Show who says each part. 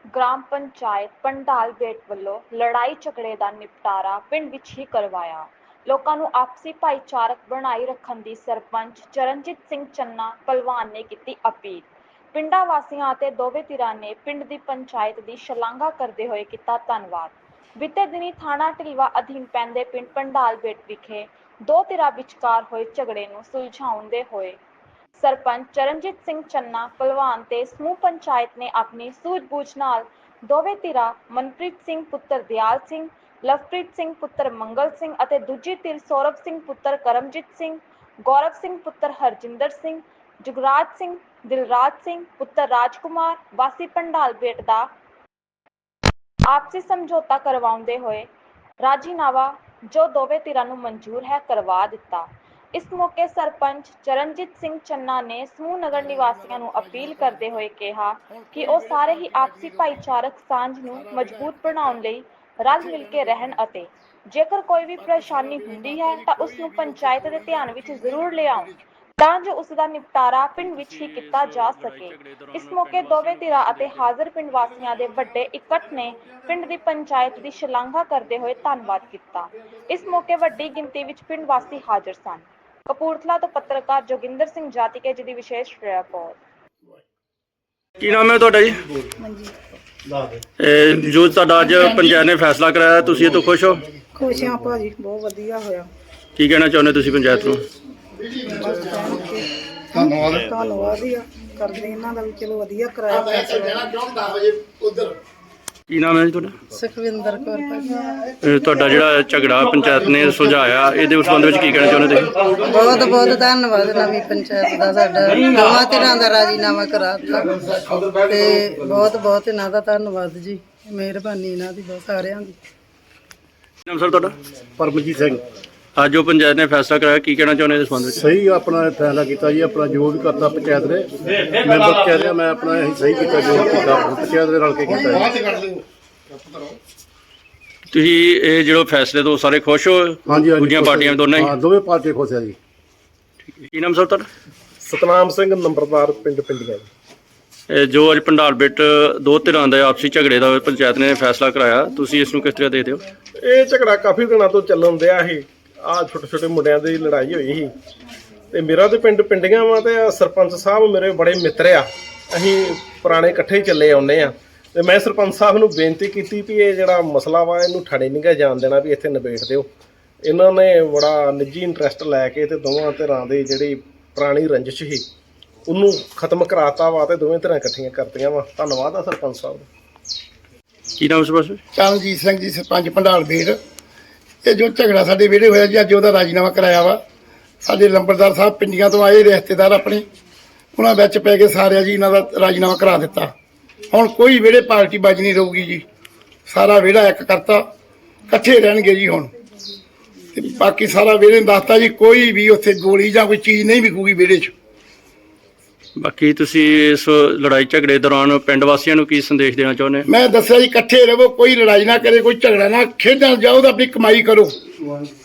Speaker 1: Gram panchayat ਪੰਡਾਲ ਬੇਟ ਵੱਲੋਂ ਲੜਾਈ ਝਗੜੇ ਦਾ ਨਿਪਟਾਰਾ ਪਿੰਡ ਵਿੱਚ ਹੀ ਕਰਵਾਇਆ। ਲੋਕਾਂ ਨੂੰ ਆਪਸੀ ਭਾਈਚਾਰਕ ਬਣਾਈ ਰੱਖਣ ਦੀ ਸਰਪੰਚ ਚਰਨਜੀਤ ਸਿੰਘ ਚੰਨਾ ਭਲਵਾਨ ਨੇ ਕੀਤੀ ਅਪੀਲ। ਪਿੰਡਾਂ ਵਾਸੀਆਂ ਅਤੇ ਦੋਵੇਂ ਧਿਰਾਂ ਨੇ ਪਿੰਡ ਦੀ ਪੰਚਾਇਤ ਦੀ ਸ਼ਲਾਘਾ ਕਰਦੇ ਹੋਏ ਕੀਤਾ ਧੰਨਵਾਦ। ਬੀਤੇ ਦਿਨੀ ਥਾਣਾ ਢਿਲਵਾ ਅਧੀਨ ਪੈਂਦੇ ਪਿੰਡ ਪੰਡਾਲ ਬੇਟ ਵਿਖੇ ਦੋ ਧਿਰਾਂ ਵਿਚਕਾਰ ਹੋਏ ਝਗੜੇ ਨੂੰ ਸੁਲਝਾਉਂਦੇ ਹੋਏ ਸਰਪੰਚ ਚਰਨਜੀਤ ਸਿੰਘ ਚੰਨਾ ਭਲਵਾਨ ਤੇ ਸਮੂਹ ਪੰਚਾਇਤ ਨੇ ਆਪਣੀ ਸੂਝ-ਬੂਝ ਨਾਲ ਦੋਵੇਂ ਧਿਰਾਂ ਮਨਪ੍ਰੀਤ ਸਿੰਘ ਪੁੱਤਰ ਦਿਆਲ ਸਿੰਘ, ਲਵਪ੍ਰੀਤ ਸਿੰਘ ਪੁੱਤਰ ਮੰਗਲ ਸਿੰਘ ਅਤੇ ਦੂਜੀ ਧਿਰ ਸੌਰਵ ਸਿੰਘ ਪੁੱਤਰ ਕਰਮਜੀਤ ਸਿੰਘ, ਗੌਰਵ ਸਿੰਘ ਪੁੱਤਰ ਹਰਜਿੰਦਰ ਸਿੰਘ, ਜੁਗਰਾਜ ਸਿੰਘ, ਦਿਲਰਾਜ ਸਿੰਘ ਪੁੱਤਰ ਰਾਜਕੁਮਾਰ ਵਾਸੀ ਪੰਡਾਲ ਬੇਟ ਦਾ ਆਪਸੀ ਸਮਝੌਤਾ ਕਰਵਾਉਂਦੇ ਹੋਏ ਰਾਜੀਨਾਮਾ ਜੋ ਦੋਵੇਂ ਧਿਰਾਂ ਨੂੰ ਮਨਜ਼ੂਰ ਹੈ ਕਰਵਾ ਦਿੱਤਾ। ਇਸ ਮੌਕੇ ਸਰਪੰਚ ਚਰਨਜੀਤ ਸਿੰਘ ਚੰਨਾ ਨੇ ਸਮੂਹ ਨਗਰ ਨਿਵਾਸੀਆਂ ਨੂੰ ਅਪੀਲ ਕਰਦੇ ਹੋਏ ਕਿਹਾ ਕਿ ਉਹ ਸਾਰੇ ਹੀ ਆਪਸੀ ਭਾਈਚਾਰਕ ਸਾਂਝ ਨੂੰ ਮਜ਼ਬੂਤ ਬਣਾਉਣ ਲਈ ਰਲ ਮਿਲ ਕੇ ਰਹਿਣ ਅਤੇ ਜੇਕਰ ਕੋਈ ਵੀ ਪਰੇਸ਼ਾਨੀ ਹੁੰਦੀ ਹੈ ਤਾਂ ਉਸ ਨੂੰ ਪੰਚਾਇਤ ਦੇ ਧਿਆਨ ਵਿੱਚ ਜ਼ਰੂਰ ਲਿਆਉਣ ਤਾਂ ਜੋ ਉਸ ਦਾ ਨਿਪਟਾਰਾ ਪਿੰਡ ਵਿੱਚ ਹੀ ਕੀਤਾ ਜਾ ਸਕੇ। ਇਸ ਮੌਕੇ ਦੋਵੇਂ ਧਿਰਾਂ ਅਤੇ ਹਾਜ਼ਰ ਪਿੰਡ ਵਾਸੀਆਂ ਦੇ ਵੱਡੇ ਇਕੱਠ ਨੇ ਪਿੰਡ ਦੀ ਪੰਚਾਇਤ ਦੀ ਸ਼ਲਾਘਾ ਕਰਦੇ ਹੋਏ ਧੰਨਵਾਦ ਕੀਤਾ। ਇਸ ਮੌਕੇ ਵੱਡੀ ਗਿਣਤੀ ਵਿੱਚ ਪਿੰਡ ਵਾਸੀ ਹਾਜ਼ਰ ਸਨ। ਕਪੂਰਥਲਾ ਤੋਂ ਪੱਤਰਕਾਰ ਜੋਗਿੰਦਰ ਸਿੰਘ ਜਾਤੀਕੇ ਜੀ ਦੀ ਵਿਸ਼ੇਸ਼ ਰਿਪੋਰਟ।
Speaker 2: ਕੀ ਨਾਮ ਹੈ ਤੁਹਾਡਾ ਜੀ? ਜੋ ਤੁਹਾਡਾ ਅੱਜ ਪੰਚਾਇਤ ਨੇ ਫੈਸਲਾ ਕਰਾਇਆ, ਤੁਸੀਂ ਇਹ ਤੋਂ ਖੁਸ਼ ਹੋ?
Speaker 3: ਖੁਸ਼ ਹਾਂ ਭਾਜੀ, ਬਹੁਤ ਵਧੀਆ ਹੋਇਆ।
Speaker 2: ਕੀ ਕਹਿਣਾ ਚਾਹੁੰਦੇ ਤੁਸੀਂ ਪੰਚਾਇਤ ਨੂੰ?
Speaker 3: ਧੰਨਵਾਦ ਹੀ ਆ ਕਰਦੇ ਇਹਨਾਂ ਦਾ ਵੀ, ਚਲੋ ਵਧੀਆ ਕਰਾਇਆ ਫੈਸਲਾ।
Speaker 2: ਕੀ ਨਾਮ ਹੈ ਜੀ ਤੁਹਾਡਾ?
Speaker 3: ਸੁਖਵਿੰਦਰ ਕੌਰ ਭਾਜੀ।
Speaker 2: ਤੁਹਾਡਾ ਜਿਹੜਾ ਝਗੜਾ ਪੰਚਾਇਤ ਨੇ ਸੁਲਝਾਇਆ, ਇਹਦੇ ਸੰਬੰਧ ਵਿੱਚ ਕੀ ਕਹਿਣਾ ਚਾਹੁੰਦੇ ਤੁਸੀਂ?
Speaker 3: ਬਹੁਤ ਬਹੁਤ ਧੰਨਵਾਦ ਨਵੀਂ ਪੰਚਾਇਤ ਦਾ, ਸਾਡਾ ਦੋਵਾਂ ਧਿਰਾਂ ਦਾ ਰਾਜੀਨਾਮਾ ਕਰਾ ਦਿੱਤਾ ਤੇ ਬਹੁਤ ਬਹੁਤ ਇਹਨਾਂ ਦਾ ਧੰਨਵਾਦ ਜੀ, ਮਿਹਰਬਾਨੀ ਇਹਨਾਂ ਦੀ ਬਹੁਤ ਸਾਰਿਆਂ ਦੀ।
Speaker 2: ਨਾਮ ਸਰ ਤੁਹਾਡਾ?
Speaker 4: ਪਰਮਜੀਤ ਸਿੰਘ।
Speaker 2: ਅੱਜ ਜੋ ਪੰਚਾਇਤ ਨੇ ਫੈਸਲਾ ਕਰਾਇਆ, ਕੀ ਕਹਿਣਾ ਚਾਹੁੰਦੇ ਇਸ ਸੰਬੰਧ ਵਿੱਚ?
Speaker 4: ਸਹੀ ਆਪਣਾ ਫੈਸਲਾ ਕੀਤਾ ਜੀ, ਆਪਣਾ ਜੋ ਵੀ ਕਰਤਾ ਪੰਚਾਇਤ ਨੇ, ਮੈਂਬਰ ਕਹਿ ਰਿਹਾ ਮੈਂ ਆਪਣਾ ਇਹੀ ਸਹੀ ਕੀਤਾ ਜੋ ਕੀਤਾ ਪੰਚਾਇਤ ਦੇ ਰਲ ਕੇ ਕੀਤਾ ਜੀ।
Speaker 2: ਤੁਸੀਂ ਇਹ ਜਿਹੜੇ ਫੈਸਲੇ ਤੋਂ ਸਾਰੇ ਖੁਸ਼ ਹੋ?
Speaker 4: ਹਾਂਜੀ ਹਾਂਜੀ,
Speaker 2: ਦੂਜੀਆਂ ਪਾਰਟੀਆਂ ਦੋਨਾਂ
Speaker 4: ਹਾਂ, ਦੋਵੇਂ ਪਾਰਟੀਆਂ ਖੁਸ਼ ਆ ਜੀ।
Speaker 2: ਕੀ ਨਾਮ ਸਰ ਤੁਹਾਡਾ?
Speaker 5: ਸਤਨਾਮ ਸਿੰਘ, ਨੰਬਰਦਾਰ ਪਿੰਡ ਪਿੰਡੀਆਂ।
Speaker 2: ਜੋ ਅੱਜ ਪੰਡਾਲ ਬੇਟ ਦੋ ਧਿਰਾਂ ਦਾ ਆਪਸੀ ਝਗੜੇ ਦਾ ਪੰਚਾਇਤ ਨੇ ਫੈਸਲਾ ਕਰਾਇਆ, ਤੁਸੀਂ ਇਸ ਨੂੰ ਕਿਸ ਤਰ੍ਹਾਂ ਦੇਖਦੇ ਹੋ?
Speaker 5: ਇਹ ਝਗੜਾ ਕਾਫੀ ਦਿਨਾਂ ਤੋਂ ਚੱਲਣ ਦਿਆ ਸੀ। ਆਹ ਛੋਟੇ ਛੋਟੇ ਮੁੰਡਿਆਂ ਦੀ ਲੜਾਈ ਹੋਈ ਸੀ ਤੇ ਮੇਰਾ ਤੇ ਪਿੰਡ ਪਿੰਡੀਆਂ ਵਾ ਤੇ ਸਰਪੰਚ ਸਾਹਿਬ ਮੇਰੇ ਬੜੇ ਮਿੱਤਰ ਆ, ਅਸੀਂ ਪੁਰਾਣੇ ਇਕੱਠੇ ਹੀ ਚੱਲੇ ਆਉਂਦੇ ਆ। ਤੇ ਮੈਂ ਸਰਪੰਚ ਸਾਹਿਬ ਨੂੰ ਬੇਨਤੀ ਕੀਤੀ ਵੀ ਇਹ ਜਿਹੜਾ ਮਸਲਾ ਵਾ ਇਹਨੂੰ ਠਾਣੇ ਨਹੀਂ ਗਾ ਜਾਣ ਦੇਣਾ, ਵੀ ਇੱਥੇ ਨਿਬੇੜ ਦਿਓ। ਇਹਨਾਂ ਨੇ ਬੜਾ ਨਿੱਜੀ ਇੰਟਰਸਟ ਲੈ ਕੇ ਤੇ ਦੋਵਾਂ ਧਿਰਾਂ ਦੀ ਜਿਹੜੀ ਪੁਰਾਣੀ ਰੰਜਿਸ਼ ਸੀ ਉਹਨੂੰ ਖਤਮ ਕਰਾਤਾ ਵਾ ਤੇ ਦੋਵੇਂ ਧਿਰਾਂ ਇਕੱਠੀਆਂ ਕਰਤੀਆਂ ਵਾ। ਧੰਨਵਾਦ ਆ ਸਰਪੰਚ ਸਾਹਿਬ ਦਾ।
Speaker 2: ਕੀ ਨਾਮ ਸਰਪੰਚ?
Speaker 6: ਚਰਨਜੀਤ ਸਿੰਘ ਜੀ, ਸਰਪੰਚ ਪੰਡਾਲ ਬੇਟ। ਇਹ ਜੋ ਝਗੜਾ ਸਾਡੇ ਵਿਹੜੇ ਹੋਇਆ ਜੀ, ਅੱਜ ਉਹਦਾ ਰਾਜੀਨਾਮਾ ਕਰਾਇਆ ਵਾ। ਸਾਡੇ ਲੰਬੜਦਾਰ ਸਾਹਿਬ ਪਿੰਡੀਆਂ ਤੋਂ ਆਏ ਰਿਸ਼ਤੇਦਾਰ ਆਪਣੇ, ਉਹਨਾਂ ਵਿੱਚ ਪੈ ਕੇ ਸਾਰਿਆਂ ਜੀ ਇਹਨਾਂ ਦਾ ਰਾਜੀਨਾਮਾ ਕਰਾ ਦਿੱਤਾ। ਹੁਣ ਕੋਈ ਵਿਹੜੇ ਪਾਰਟੀ ਬਾਜੀ ਨਹੀਂ ਰਹੂਗੀ ਜੀ, ਸਾਰਾ ਵਿਹੜਾ ਇੱਕ ਕਰਤਾ, ਇਕੱਠੇ ਰਹਿਣਗੇ ਜੀ ਹੁਣ। ਤੇ ਬਾਕੀ ਸਾਰਾ ਵਿਹੜੇ ਨੂੰ ਦੱਸਤਾ ਜੀ, ਕੋਈ ਵੀ ਉੱਥੇ ਗੋਲੀ ਜਾਂ ਕੋਈ ਚੀਜ਼ ਨਹੀਂ ਵਿਕੂਗੀ ਵਿਹੜੇ 'ਚ।
Speaker 2: ਬਾਕੀ ਤੁਸੀਂ ਇਸ ਲੜਾਈ ਝਗੜੇ ਦੌਰਾਨ ਪਿੰਡ ਵਾਸੀਆਂ ਨੂੰ ਕੀ ਸੰਦੇਸ਼ ਦੇਣਾ ਚਾਹੁੰਦੇ?
Speaker 6: ਮੈਂ ਦੱਸਿਆ ਜੀ, ਇਕੱਠੇ ਰਹੋ, ਕੋਈ ਲੜਾਈ ਨਾ ਕਰੇ, ਕੋਈ ਝਗੜਾ ਨਾ, ਖੇਡਣ ਜਾਓ ਤਾਂ ਆਪਣੀ ਕਮਾਈ ਕਰੋ।